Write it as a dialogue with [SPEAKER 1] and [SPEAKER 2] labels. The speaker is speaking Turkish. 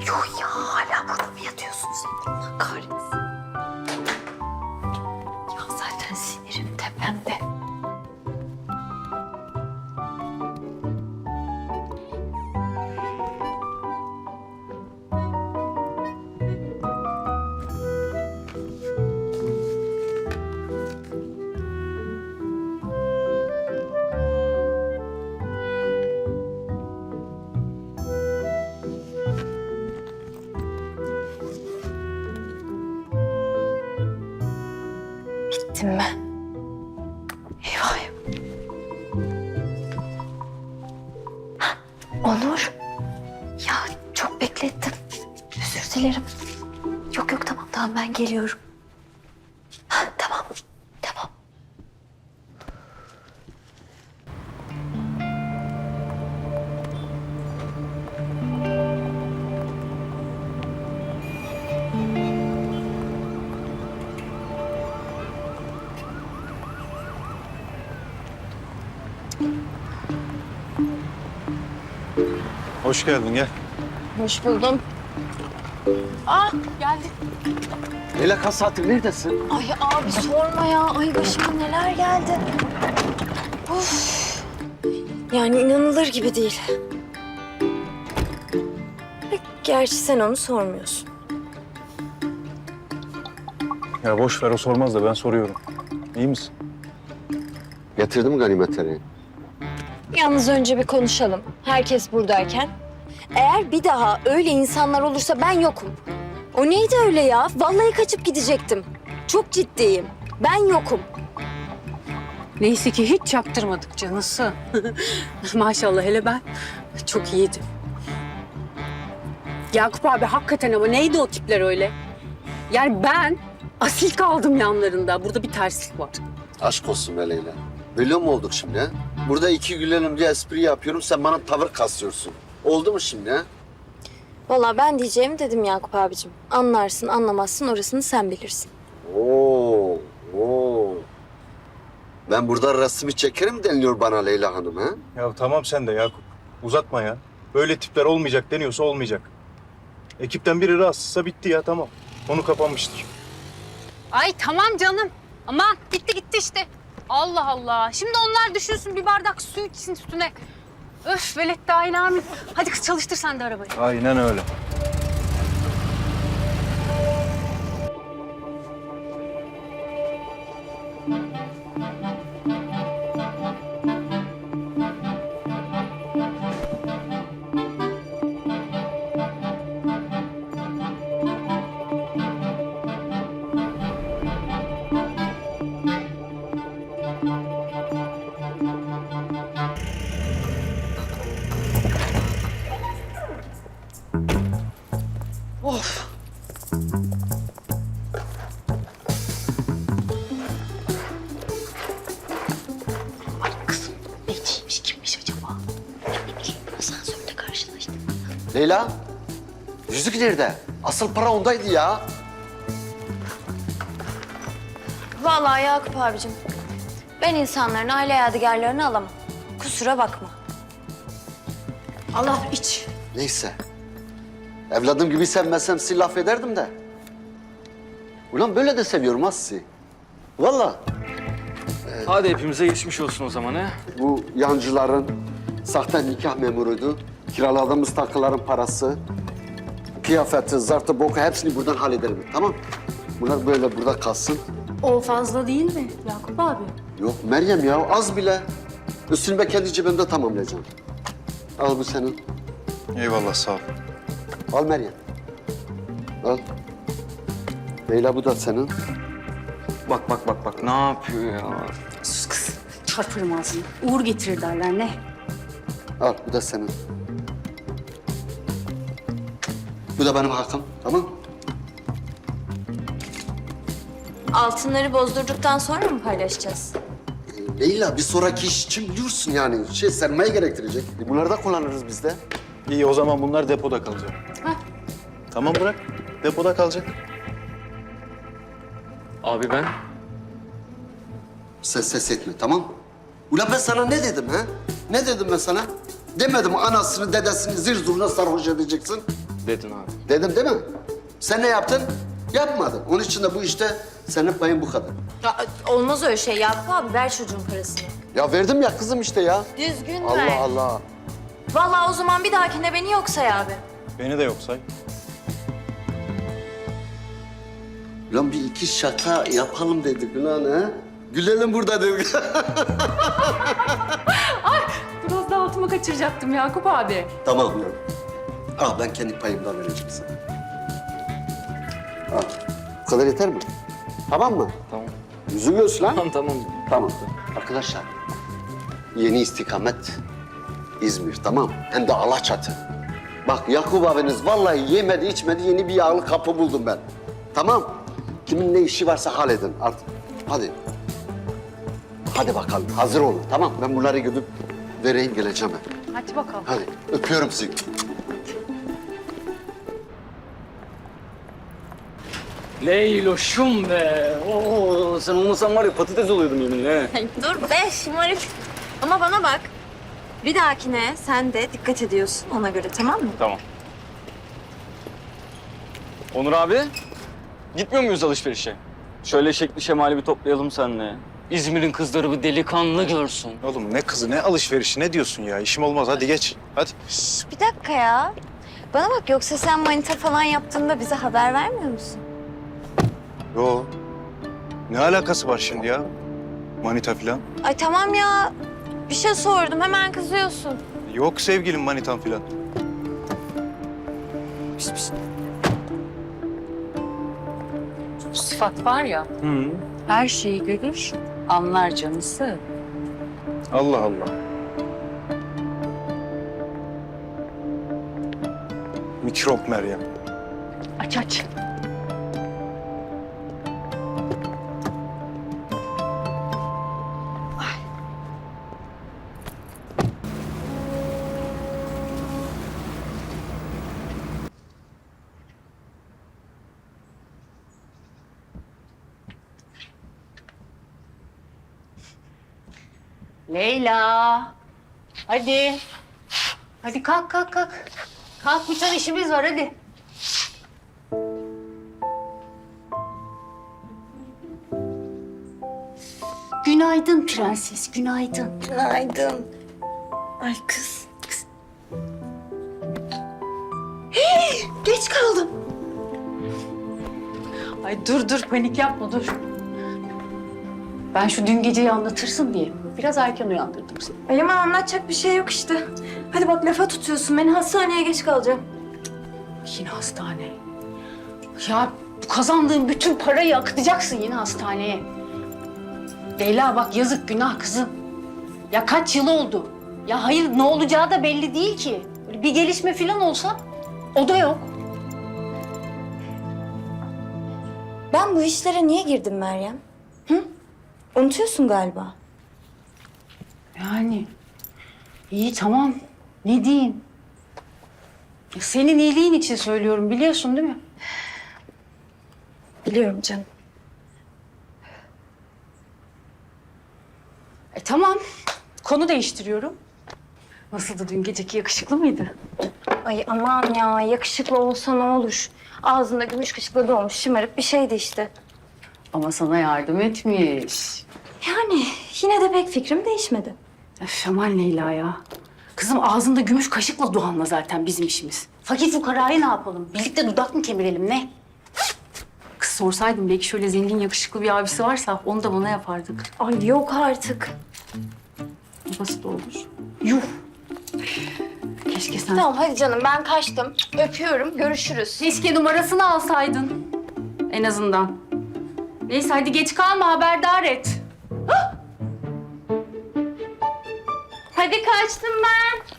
[SPEAKER 1] Yuh ya, hala burada mı yatıyorsun sen? Allah kahretsin. Ya zaten sinirim tepemde. Bittim ben. Eyvah eyvah. Hah, Onur. Ya çok beklettim. Özür dilerim. Yok yok, tamam ben geliyorum. Hah, tamam.
[SPEAKER 2] Hoş geldin, gel.
[SPEAKER 1] Hoş buldum. Geldi.
[SPEAKER 3] Leyla kaç saattir neredesin?
[SPEAKER 1] Ay abi sorma ya. Ay başıma neler geldi. Of. Yani inanılır gibi değil. Gerçi sen onu sormuyorsun.
[SPEAKER 2] Ya boş ver, o sormaz da ben soruyorum. İyi misin?
[SPEAKER 3] Getirdim ganimetleri.
[SPEAKER 1] Yalnız önce bir konuşalım. Herkes buradayken. Eğer bir daha öyle insanlar olursa ben yokum. O neydi öyle ya? Vallahi kaçıp gidecektim. Çok ciddiyim. Ben yokum.
[SPEAKER 4] Neyse ki hiç çaktırmadık canısı. Maşallah, hele ben çok iyiydim. Yakup abi hakikaten ama neydi o tipler öyle? Yani ben asil kaldım yanlarında. Burada bir terslik var.
[SPEAKER 3] Aşk olsun be Leyla. Böyle mi olduk şimdi ha? Burada iki gülelim diye espri yapıyorum, sen bana tavır kasıyorsun. Oldu mu şimdi ha?
[SPEAKER 1] Vallahi ben diyeceğimi dedim Yakup abicim. Anlarsın anlamazsın orasını sen bilirsin.
[SPEAKER 3] Oo. Ben burada resmi çekerim deniliyor bana Leyla Hanım ha?
[SPEAKER 2] Ya tamam sen de Yakup. Uzatma ya. Böyle tipler olmayacak deniyorsa olmayacak. Ekipten biri rahatsızsa bitti ya, tamam. Konu kapanmıştır.
[SPEAKER 4] Ay tamam canım. Aman gitti işte. Allah Allah. Şimdi onlar düşünsün, bir bardak su içsin üstüne. Öf velet dahil amin. Hadi kız çalıştır sen de arabayı.
[SPEAKER 2] Aynen öyle.
[SPEAKER 1] Neciymiş, kimmiş acaba? Ne bileyim, asansörde karşılaştık.
[SPEAKER 3] Leyla, yüzük nerede? Asıl para ondaydı ya.
[SPEAKER 1] Vallahi Yakup abicim, ben insanların aile yadigarlarını alamam. Kusura bakma.
[SPEAKER 4] Allah iç.
[SPEAKER 3] Neyse. Evladım gibi sevmezsem sizi laf ederdim de. Ulan böyle de seviyorum ha sizi. Vallahi.
[SPEAKER 5] Hadi hepimize geçmiş olsun o zaman ha.
[SPEAKER 3] Bu yancıların sahte nikah memuruydu. Kiraladığımız takıların parası, kıyafeti, zartı, boku hepsini buradan hallederim. Tamam? Bunlar böyle burada kalsın.
[SPEAKER 4] O fazla değil mi Yakup abi?
[SPEAKER 3] Yok Meryem ya, az bile. Üstünü ben kendi cebimde tamamlayacağım. Al bu senin.
[SPEAKER 2] Eyvallah, sağ ol.
[SPEAKER 3] Al Meryem. Al. Leyla bu da senin.
[SPEAKER 5] Bak ne yapıyor ya?
[SPEAKER 4] Sus kız. Çarpırım ağzını. Uğur getirir derler ne?
[SPEAKER 3] Al bu da senin. Bu da benim hakkım. Tamam?
[SPEAKER 1] Altınları bozdurduktan sonra mı paylaşacağız?
[SPEAKER 3] Leyla bir sonraki iş için biliyorsun yani. Sermaye gerektirecek. Bunları da kullanırız biz de.
[SPEAKER 2] İyi, o zaman bunlar depoda kalacak.
[SPEAKER 4] Hah.
[SPEAKER 2] Tamam, bırak. Depoda kalacak.
[SPEAKER 5] Abi ben?
[SPEAKER 3] Ses etme, tamam mı? Ulan ben sana ne dedim ha? Ne dedim ben sana? Demedim anasını, dedesini zır zurna sarhoş edeceksin.
[SPEAKER 5] Dedin abi.
[SPEAKER 3] Dedim değil mi? Sen ne yaptın? Yapmadın. Onun için de bu işte senin payın bu kadar.
[SPEAKER 1] Ya, olmaz öyle şey Yakup abi. Ver çocuğun parasını.
[SPEAKER 3] Ya verdim ya kızım işte ya.
[SPEAKER 1] Düzgün
[SPEAKER 3] Allah
[SPEAKER 1] ver.
[SPEAKER 3] Allah.
[SPEAKER 1] Vallahi o zaman bir dahakine beni yok say abi.
[SPEAKER 2] Beni de yok say.
[SPEAKER 3] Lan bir iki şaka yapalım dedik lan ha. Gülelim burada dedik.
[SPEAKER 4] Biraz daha altıma kaçıracaktım Yakup abi.
[SPEAKER 3] Tamam ya. Al ben kendi payımdan vereceğim sana. Al. Bu kadar yeter mi? Tamam mı?
[SPEAKER 5] Tamam.
[SPEAKER 3] Yüzü göz lan.
[SPEAKER 5] Tamam.
[SPEAKER 3] Tamam. Arkadaşlar, yeni istikamet İzmir, tamam. Hem de Alaçatı. Bak Yakup abiniz vallahi yemedi içmedi yeni bir yağlı kapı buldum ben. Tamam. Kimin ne işi varsa halledin artık. Hadi. Hadi bakalım hazır olun tamam. Ben bunları gidip vereyim geleceğim ben.
[SPEAKER 4] Hadi bakalım.
[SPEAKER 3] Hadi öpüyorum sizi.
[SPEAKER 5] Leyloşum be. Oo, sen olmasan var ya patates oluyordum yeminle.
[SPEAKER 1] Dur be şımarık. Ama bana bak. Bir dahakine sen de dikkat ediyorsun ona göre tamam mı?
[SPEAKER 5] Tamam. Onur abi, gitmiyor muyuz alışverişe? Şöyle şekli şemali bir toplayalım seninle. İzmir'in kızları bir delikanlı görsün.
[SPEAKER 2] Oğlum ne kızı ne alışverişi ne diyorsun ya? İşim olmaz hadi geç. Hadi.
[SPEAKER 1] Bir dakika ya. Bana bak yoksa sen manita falan yaptığında bize haber vermiyor musun?
[SPEAKER 2] Yo. Ne alakası var şimdi ya? Manita falan.
[SPEAKER 1] Ay tamam ya. Bir şey sordum hemen kızıyorsun.
[SPEAKER 2] Yok sevgilim manitan falan.
[SPEAKER 6] Sıfat var ya, her şeyi görür, anlar canısı.
[SPEAKER 2] Allah Allah. Mikrop Meryem.
[SPEAKER 6] Aç aç.
[SPEAKER 4] Leyla. Hadi. Hadi kalk kalk kalk. Kalk bir tane işimiz var hadi. Günaydın prenses, günaydın.
[SPEAKER 1] Günaydın. Ay kız. Geç kaldım.
[SPEAKER 4] Ay dur panik yapma dur. Ben şu dün geceyi anlatırsın diye biraz erken uyandırdım seni.
[SPEAKER 1] Ay aman anlatacak bir şey yok işte. Hadi bak lafa tutuyorsun beni hastaneye geç kalacağım.
[SPEAKER 4] Yine hastane. Ya bu kazandığın bütün parayı akıtacaksın yine hastaneye. Leyla bak yazık günah kızım. Ya kaç yıl oldu? Ya hayır ne olacağı da belli değil ki. Böyle bir gelişme falan olsa o da yok.
[SPEAKER 1] Ben bu işlere niye girdim Meryem? Hı? Unutuyorsun galiba.
[SPEAKER 4] Yani iyi tamam ne diyeyim. Ya senin iyiliğin için söylüyorum biliyorsun değil mi?
[SPEAKER 1] Biliyorum canım.
[SPEAKER 4] Tamam konu değiştiriyorum. Nasıldı dün geceki yakışıklı mıydı?
[SPEAKER 1] Ay aman ya yakışıklı olsa ne olur. Ağzında gümüş kaşıkla dolmuş şımarık bir şeydi işte.
[SPEAKER 4] Ama sana yardım etmiş.
[SPEAKER 1] Yani yine de pek fikrim değişmedi.
[SPEAKER 4] Öf aman Leyla ya. Kızım ağzında gümüş kaşıkla Doğan'la zaten bizim işimiz. Fakir fukarayı ne yapalım? Birlikte dudak mı kemirelim ne? Kız sorsaydım belki şöyle zengin yakışıklı bir abisi varsa onu da bana yapardık.
[SPEAKER 1] Ay yok artık.
[SPEAKER 4] Basit olur. Yuh. Keşke sen...
[SPEAKER 1] Tamam hadi canım ben kaçtım. Öpüyorum görüşürüz.
[SPEAKER 4] Keşke numarasını alsaydın. En azından. Neyse hadi geç kalma haberdar et.
[SPEAKER 1] Hadi kaçtım ben.